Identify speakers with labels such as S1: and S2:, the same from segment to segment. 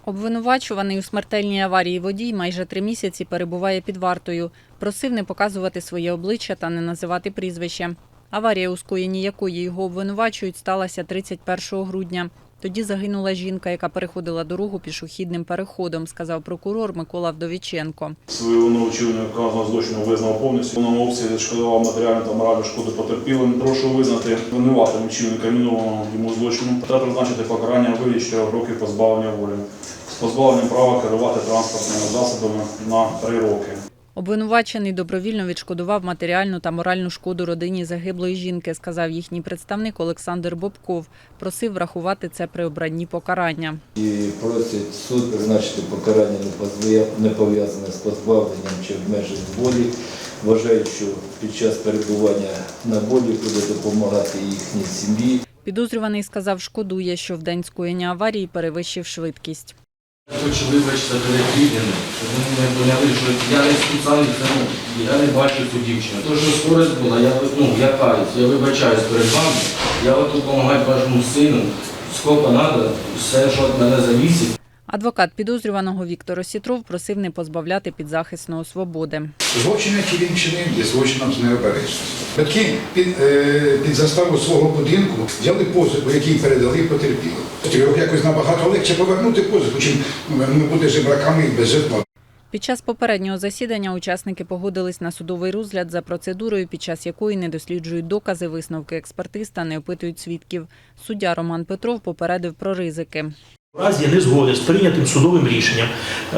S1: Обвинувачуваний у смертельній аварії водій майже 3 місяці перебуває під вартою. Просив не показувати своє обличчя та не називати прізвище. Аварія, у скоєнні якої його обвинувачують, сталася 31 грудня. Тоді загинула жінка, яка переходила дорогу пішохідним переходом, сказав прокурор Микола Вдовіченко.
S2: Свою вину вчинення вказаного злочину визнав повністю. В повному обсязі відшкодував матеріальну та моральну шкоду потерпілим. Прошу визнати винуватим вчинника мінованого йому злочину та призначити покарання у вигляді 4 років позбавлення волі з позбавленням права керувати транспортними засобами на 3 роки.
S1: Обвинувачений добровільно відшкодував матеріальну та моральну шкоду родині загиблої жінки, сказав їхній представник Олександр Бобков. Просив врахувати це при обранні покарання.
S3: І просить суд призначити покарання не пов'язане з позбавленням чи обмеженням волі. Вважають, що під час перебування на волі буде допомагати їхній сім'ї.
S1: Підозрюваний сказав, шкодує, що в день скоєння аварії перевищив швидкість.
S4: Хочу вибачитися перед рідними, щоб вони не поняли, що я не спеціально, я не бачу цю дівчину. То, що скорость була, я каюсь, я вибачаюсь перед вами, я от допомагаю вашому сину, скільки треба, все, що від мене зависить.
S1: Адвокат підозрюваного Віктор Осітров просив не позбавляти підзахисного свободи.
S5: Злочин, який він чинив, є злочином з необережності. Батьки під заставу свого будинку взяли позику, який передали потерпілим. Якось набагато легше повернути позику, чим бути жебраками і без житла.
S1: Під час попереднього засідання учасники погодились на судовий розгляд за процедурою, під час якої не досліджують докази, висновки експертиз та не опитують свідків. Суддя Роман Петров попередив про ризики.
S6: В разі незгоди з прийнятим судовим рішенням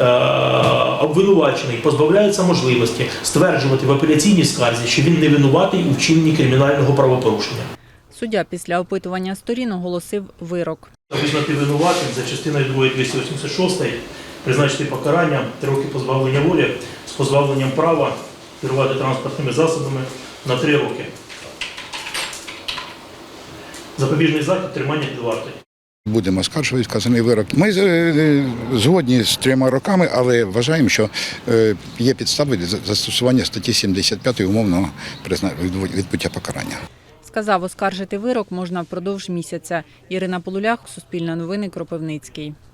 S6: обвинувачений позбавляється можливості стверджувати в апеляційній скарзі, що він не винуватий у вчиненні кримінального правопорушення.
S1: Суддя після опитування сторін оголосив вирок.
S6: Визнати винуватим за частиною 2 286 призначити покарання 3 роки позбавлення волі з позбавленням права керувати транспортними засобами на 3 роки. Запобіжний захід – тримання під вартою.
S5: Будемо оскаржувати вказаний вирок. Ми згодні з 3 роками, але вважаємо, що є підстави для застосування статті 75 умовного відбуття покарання.
S1: Сказав, оскаржити вирок можна впродовж місяця. Ірина Полулях, Суспільне новини, Кропивницький.